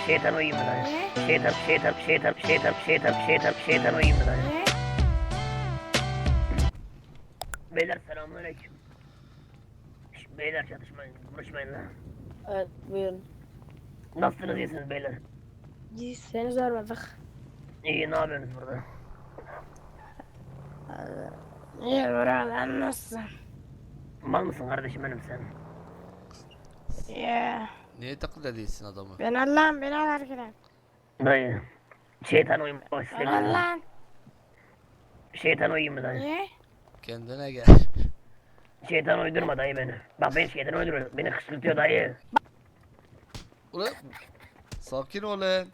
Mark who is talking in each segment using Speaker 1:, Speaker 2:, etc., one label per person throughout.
Speaker 1: Şeytan uyuyayım mı dayı?
Speaker 2: Ne?
Speaker 1: Şeytan uyuyayım mı dayı?
Speaker 2: Ne?
Speaker 1: Beyler selamünaleyküm. Beyler çatışmayın, konuşmayın lan.
Speaker 2: Evet buyurun.
Speaker 1: Nasılsınız, iyisiniz beyler?
Speaker 2: Biz seni sormadık.
Speaker 1: İyi, ne yapıyorsunuz burada?
Speaker 2: İyi buradan nasılsın?
Speaker 1: Mal mısın kardeşim benim sen?
Speaker 2: Ya
Speaker 3: Niye taklit ediyorsun adamı?
Speaker 2: ben Allah'ım beni alarken.
Speaker 1: Dayı. Şeytan uyumak
Speaker 2: Ben
Speaker 1: istemiyorum.
Speaker 2: Allah'ım.
Speaker 1: Şeytan uyuyayım mı dayı?
Speaker 2: Niye?
Speaker 3: Kendine gel.
Speaker 1: Şeytan uydurma dayı beni. Bak ben şeytan uyduruyor. Beni kışkırtıyor dayı.
Speaker 3: Ulan sakin ol lan.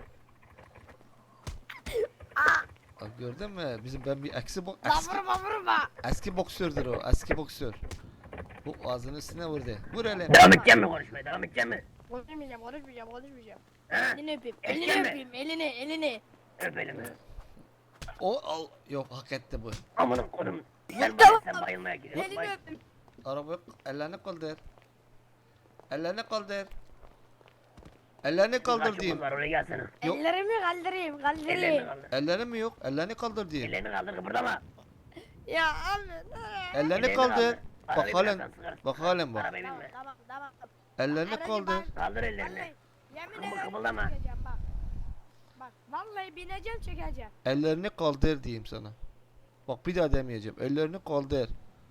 Speaker 3: Bak gördün mü? Ben bir eski boksördür o. Eski boksör. Bu ağzının üstüne vurdu. Vur hele.
Speaker 1: Devam edeceğim mi konuşmaya? Devam edeceğim mi?
Speaker 2: Konuşmayacağım.
Speaker 1: Ha?
Speaker 2: Elini öpeyim.
Speaker 1: Edeceğim
Speaker 2: Elini
Speaker 1: mi?
Speaker 2: öpeyim. Elini.
Speaker 1: Öp elimi.
Speaker 3: O al. Yok hak etti bu.
Speaker 1: Amına kodum. Sen bayılmaya gidiyorsun.
Speaker 2: Elini öpeyim.
Speaker 3: Araba ellerini kaldır. Ellerini kaldır. Ellerini kaldır diyeyim.
Speaker 1: Var oraya gelsene.
Speaker 3: Yok.
Speaker 2: Ellerimi kaldırayım.
Speaker 1: Ellerini
Speaker 2: Kaldırayım.
Speaker 1: kaldır.
Speaker 3: Ellerini mi yok? Ellerini kaldır diyeyim.
Speaker 1: Ellerini kaldır, kıpırdama.
Speaker 2: Ya abi.
Speaker 3: Ellerini
Speaker 1: Ellerini
Speaker 3: kaldır.
Speaker 1: kaldır.
Speaker 3: Bak
Speaker 1: Arabayı
Speaker 3: halen.
Speaker 1: bırak, ben sıkarım.
Speaker 3: Bak halen bak.
Speaker 1: Arabaya binme.
Speaker 2: Tamam.
Speaker 3: Ellerini
Speaker 2: Aracı
Speaker 3: kaldır.
Speaker 2: ben-
Speaker 1: Kaldır ellerini.
Speaker 2: Vallahi yemin
Speaker 1: Kımıl
Speaker 2: ederim
Speaker 1: kımıldama.
Speaker 2: çekeceğim bak. Bak vallahi bineceğim çekeceğim.
Speaker 3: Ellerini kaldır diyeyim sana. Bak bir daha demeyeceğim. Ellerini kaldır.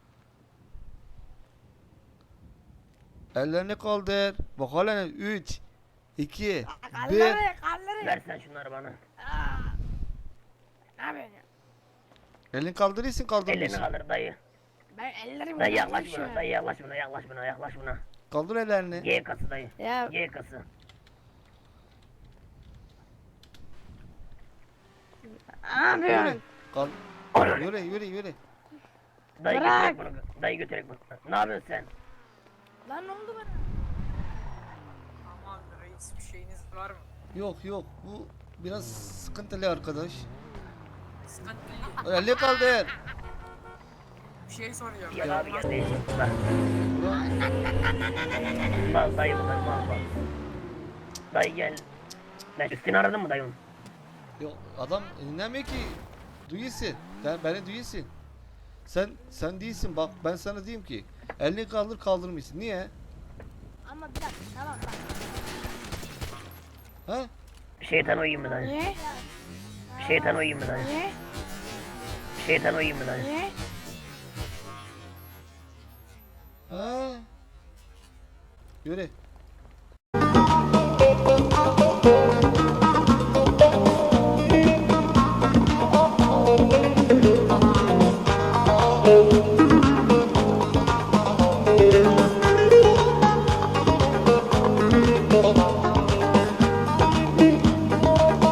Speaker 3: Ellerini kaldır. Bak halen 3 2 1
Speaker 2: Kaldırı.
Speaker 1: Ver sen şunları bana.
Speaker 2: Ne yapıyorsun ya?
Speaker 3: Elini kaldırıyorsun
Speaker 1: Ellerini
Speaker 3: kaldırmıyorsun.
Speaker 1: kaldır dayı.
Speaker 2: Ben ellerimi
Speaker 1: Dayı yaklaş
Speaker 2: kaldırmışım.
Speaker 1: buna. Dayı yaklaş buna.
Speaker 3: Kaldır ellerini.
Speaker 1: G kası dayı.
Speaker 2: Ya
Speaker 1: G kası.
Speaker 2: ne yapıyorsun?
Speaker 3: Kal yürü.
Speaker 1: Dayı
Speaker 2: Bırak.
Speaker 1: götürek bunu. Dayı götürek bunu. Ne yapıyorsun sen?
Speaker 2: Lan ne oldu bana?
Speaker 4: Aman reis, bir şeyiniz var mı?
Speaker 3: Yok bu biraz sıkıntılı arkadaş.
Speaker 4: Sıkıntı.
Speaker 3: Elini kaldır.
Speaker 4: Bir şey soruyorum.
Speaker 1: Ya abi gel değişik. Bak.
Speaker 3: Ulan,
Speaker 1: Bak dayı bu dayı. Bak. Dayı gel. Ben üstünü aradın mı dayım?
Speaker 3: yok adam dinlemiyor ki. Duyuyorsun. Beni duyuyorsun. Sen değilsin bak ben sana diyeyim ki. Elini kaldır kaldırmıyorsun. Niye?
Speaker 2: Ama bir dakika tamam bak.
Speaker 3: Ha?
Speaker 1: Şeytan uyuyayım mı dayı?
Speaker 2: Niye?
Speaker 1: Şeytan uyuyayım mı dayı?
Speaker 2: Niye?
Speaker 1: Şeytan uyuyayım mı dayı?
Speaker 2: Niye?
Speaker 3: Ha? Yürü.